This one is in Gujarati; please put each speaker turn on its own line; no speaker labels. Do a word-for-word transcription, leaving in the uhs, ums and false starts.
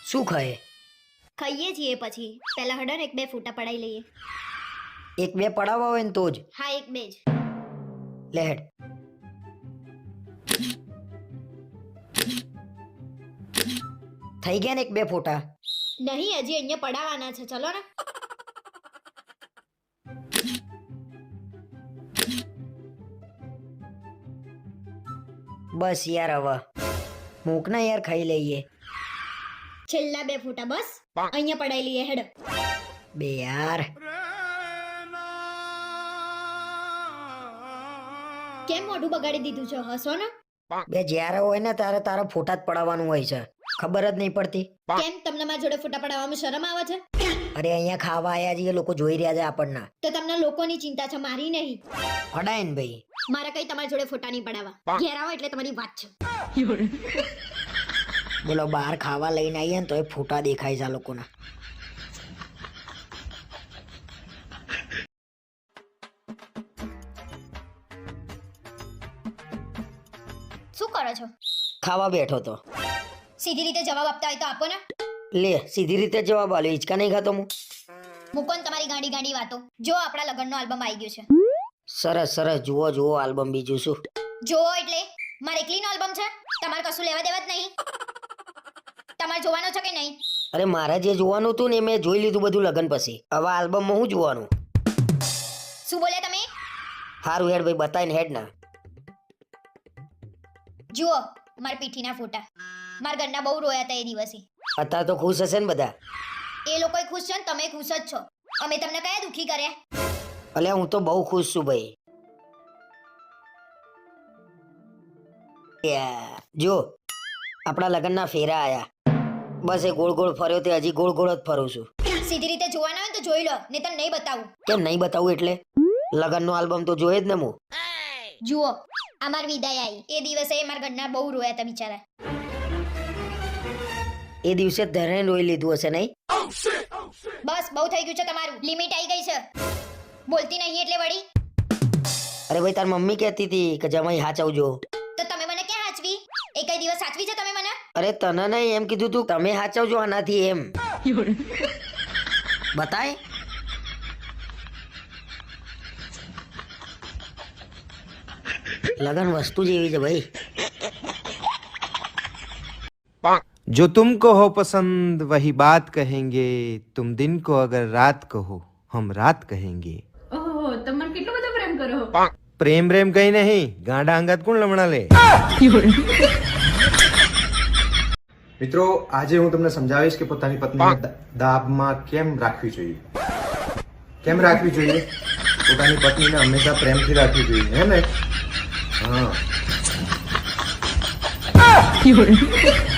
શું ખાય?
ખાઈએ છીએ પછી પહેલા હડન એક બે ફૂટા પડાઈ લઈએ.
એક બે પડાવવા હોય ને તો જ.
હા એક બે જ.
લે હેડ. થઈ ગયા ને એક બે ફોટા?
નહીં હજી અહીંયા પડાવવાના છે. ચલો ને.
બસ યાર હવે મૂક ને યાર, ખાઈ લઈએ.
છેલ્લા બે ફૂટા બસ અહીંયા પડાઈ લઈએ. હેડ
બે યાર.
કેમ મોઢું બગાડી દીધું છે? હસો ને.
બે જ્યારે હોય ને ત્યારે તારે ફોટા જ પડાવવાનું હોય છે, ખબર જ નહીં પડતી.
કેમ તમને મારા જોડે ફોટા પડાવવામાં શરમ આવે છે?
અરે અહીંયા ખાવા આયા છીએ, લોકો જોઈ રહ્યા છે આપણને.
તો તમને લોકોની ચિંતા છે, મારી નહીં.
પડાય ને ભાઈ.
મારે કઈ તમારી જોડે ફોટા નહીં પડાવવા. ઘેર આવો એટલે તમારી વાત છે.
બોલો, બહાર ખાવા લઈને આવીએ ને તો એ ફોટા દેખાય છે આ લોકોના.
શું કરો છો?
ખાવા બેઠો તો.
સીધી રીતે જવાબ આપતા હોય તો આપો ને.
લે સીધી રીતે જવાબ આલ્યો. હિંચકા નહીં ખાતો હું.
મૂકો ને તમારી ગાંડી ગાંડી વાતો. જો આપણા લગ્નનો આલ્બમ આવી ગયો છે.
સરસ સરસ, જુઓ જુઓ આલ્બમ. બીજું શું?
જો એટલે મારે એકલીનો આલ્બમ છે, તમારે કશું લેવા દેવા જ નહીં. તમારે જોવાનો છે કે નહીં?
અરે મારે જે જોવાનું હતું ને મેં જોઈ લીધું બધું લગન પછી. હવે આલ્બમમાં હું જોવાનું?
શું બોલ્યા તમે?
હારું હેડ ભાઈ, બતાવીને હેડ ના.
જુઓ મારા પીઠીના ફોટા. મારા ઘરના બહુ રોયા હતા એ દિવસે.
અત્યારે તો ખુશ હશે ને બધા?
એ લોકોય ખુશ છે ને તમે ખુશ જ છો. અમે તમને કયા દુખી કર્યા?
અલ્યા હું તો બહુ ખુશ છું ભાઈ. યા, જો આપણા લગ્નના ફેરા આયા. બસ એ ગોળ ગોળ ફર્યો તે હજી ગોળ ગોળ જ ફરું છું.
સીધી રીતે જોવાના હોય તો જોઈ લો, નહીં તો નહીં બતાવું.
કેમ નહીં બતાવું એટલે? લગ્નનો આલ્બમ તો જોઈએ જ ને હું.
જુઓ આ મારી વિદાય આવી એ દિવસે મારા ઘરના બહુ રોયા હતા બિચારા.
એ દિવસે ધરે રોઈ લીધું હશે નહીં?
બસ બહુ થઈ ગયું છે તમારું. લિમિટ આવી ગઈ છે. બોલતી નહીં એટલે વળી.
અરે ભાઈ તાર મમ્મી કહેતી હતી કે જમાઈ હાચવજો.
તો તમે મને ક્યાં હાચવી? એ કઈ દિવસ સાચવી છે તમે મને?
અરે તને નહીં, એમ કીધું તું તમે હાચવજો આનાથી એમ. બતાય. लगन वस्तु जेवी है भाई.
जो तुमको हो पसंद वही बात कहेंगे, तुम दिन को अगर रात कहो हम रात कहेंगे.
ઓહો તમે કેટલો બધો પ્રેમ કરો.
प्रेम प्रेम कहीं नहीं, गांडा अंगत कोण लमણા લે.
મિત્રો આજે હું તમને સમજાવીશ કે પોતાની પત્નીને દાબમાં કેમ રાખવી જોઈએ. કેમ રાખવી જોઈએ? પોતાની પત્નીને હંમેશા પ્રેમથી રાખવી જોઈએ, હે ને? હા.